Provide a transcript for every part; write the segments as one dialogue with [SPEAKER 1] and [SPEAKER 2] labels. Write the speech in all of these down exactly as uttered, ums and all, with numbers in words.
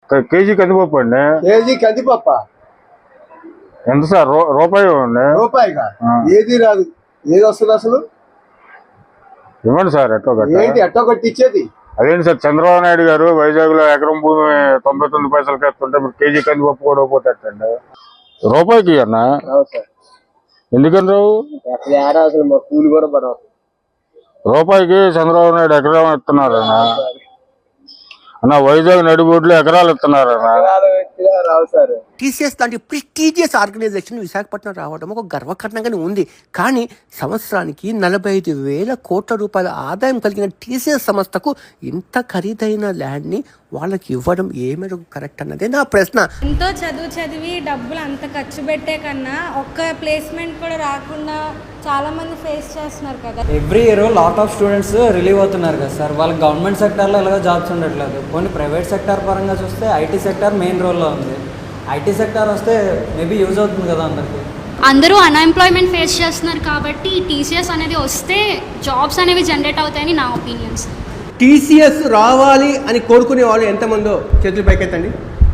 [SPEAKER 1] KG కందిపప్పు అండి.
[SPEAKER 2] KG కందిపప్ప
[SPEAKER 1] ఎంత సార్? రూపాయి
[SPEAKER 2] రూపాయిగా ఏది రాదు. ఏది వస్తుంది అసలు?
[SPEAKER 1] ఇవ్వండి సార్. ఎట్టో
[SPEAKER 2] ఏంటి ఎట్టో కొట్టి ఇచ్చేది?
[SPEAKER 1] అదేంటి సార్, చంద్రబాబు నాయుడు గారు వైజాగ్ లో ఎకరం భూమి తొంభై తొమ్మిది పైసలు కట్టుంటే మీరు కేజీ కందిపప్పు కూడా పోతేటండి రూపాయికి అన్న. ఎందుకని రావు?
[SPEAKER 2] అసలు కూలి కూడా పడవు.
[SPEAKER 1] రూపాయికి చంద్రబాబు నాయుడు ఎకరం ఇస్తున్నారన్న. అన్న వైజాగ్ నడిబొడ్లు ఎకరాలు ఇస్తున్నారన్న.
[SPEAKER 3] టీసీఎస్ లాంటి ప్రెస్టీజియస్ ఆర్గనైజేషన్ విశాఖపట్నం రావడం ఒక గర్వకారణంగానే ఉంది. కానీ సంవత్సరానికి నలభై ఐదు వేల కోట్ల రూపాయల ఆదాయం కలిగిన టీసీఎస్ సంస్థకు ఇంత ఖరీదైన ల్యాండ్ని వాళ్ళకి ఇవ్వడం ఏమేరకు కరెక్ట్ అన్నదే నా ప్రశ్న.
[SPEAKER 4] ఎంతో చదువు చదివి డబ్బులు అంత ఖర్చు పెట్టే కన్నా ఒక్క ప్లేస్మెంట్ కూడా రాకుండా చాలా మంది ఫేస్ చేస్తున్నారు కదా.
[SPEAKER 5] Every year lot of students relieve అవుతున్నారు కదా సార్. వాళ్ళకి గవర్నమెంట్ సెక్టార్లో ఎలాగో జాబ్స్ ఉండట్లేదు. కొన్ని ప్రైవేట్ సెక్టార్ పరంగా చూస్తే ఐటీ సెక్టార్ మెయిన్ రోల్లో ఉంది. ఐటీ సెక్టార్ వస్తే మేబీ యూజ్ అవుతుంది కదా అందరికి.
[SPEAKER 6] అందరూ అన్ఎంప్లాయ్మెంట్ ఫేస్ చేస్తున్నారు కాబట్టి టీసీఎస్ అనేది వస్తే జాబ్స్ అనేవి జనరేట్ అవుతాయని నా ఒపీనియన్స్.
[SPEAKER 3] టీసీఎస్ రావాలి అని కోరుకునే వాళ్ళు ఎంతమందో చేతులు పైకెత్తండి.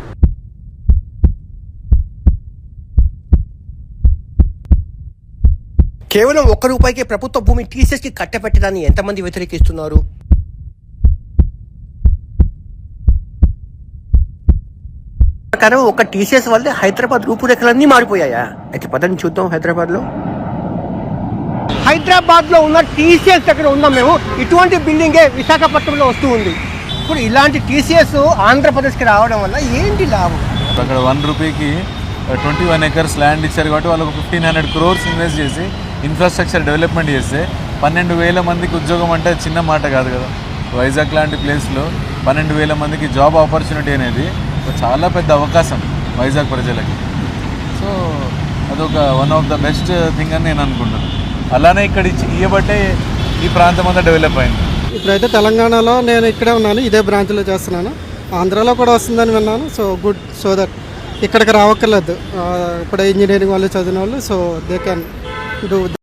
[SPEAKER 3] కేవలం ఒక్క రూపాయికి ప్రభుత్వ భూమి టీసీఎస్కి కట్టబెట్టడాన్ని ఎంతమంది వ్యతిరేకిస్తున్నారు? ప్రకారం ఒక టీసీఎస్ వల్లే హైదరాబాద్ రూపురేఖలన్నీ మారిపోయాయా? అయితే పదని చూద్దాం. హైదరాబాద్లో హైదరాబాద్లో ఉన్న టీసీఎస్ దగ్గర ఉన్నాం మేము. ఇటువంటి బిల్డింగే విశాఖపట్నంలో వస్తూ ఉంది. ఇప్పుడు ఇలాంటి టీసీఎస్ ఆంధ్రప్రదేశ్కి రావడం వల్ల ఏంటి లాభం?
[SPEAKER 7] అక్కడ వన్ రూపీకి ట్వంటీ వన్ ఎకర్స్ ల్యాండ్ ఇచ్చారు కాబట్టి వాళ్ళకు ఫిఫ్టీన్ హండ్రెడ్ క్రోర్స్ ఇన్వెస్ట్ చేసి ఇన్ఫ్రాస్ట్రక్చర్ డెవలప్మెంట్ చేస్తే పన్నెండు వేల మందికి ఉద్యోగం అంటే చిన్న మాట కాదు కదా. వైజాగ్ లాంటి ప్లేస్లో పన్నెండు వేల మందికి జాబ్ ఆపర్చునిటీ అనేది చాలా పెద్ద అవకాశం వైజాగ్ ప్రజలకి. సో అదొక one of the best thing అని నేను అనుకుంటున్నాను. అలానే ఇక్కడ ఇవ్వబట్టే ఈ ప్రాంతం అంతా డెవలప్ అయింది.
[SPEAKER 8] ఇప్పుడైతే తెలంగాణలో నేను ఇక్కడే ఉన్నాను, ఇదే బ్రాంచ్లో చేస్తున్నాను. ఆంధ్రాలో కూడా వస్తుందని విన్నాను. So good. సో దట్ ఇక్కడికి రావక్కర్లేదు. ఇప్పుడు ఇంజనీరింగ్ వాళ్ళు చదివిన వాళ్ళు సో దే క్యాన్ డూ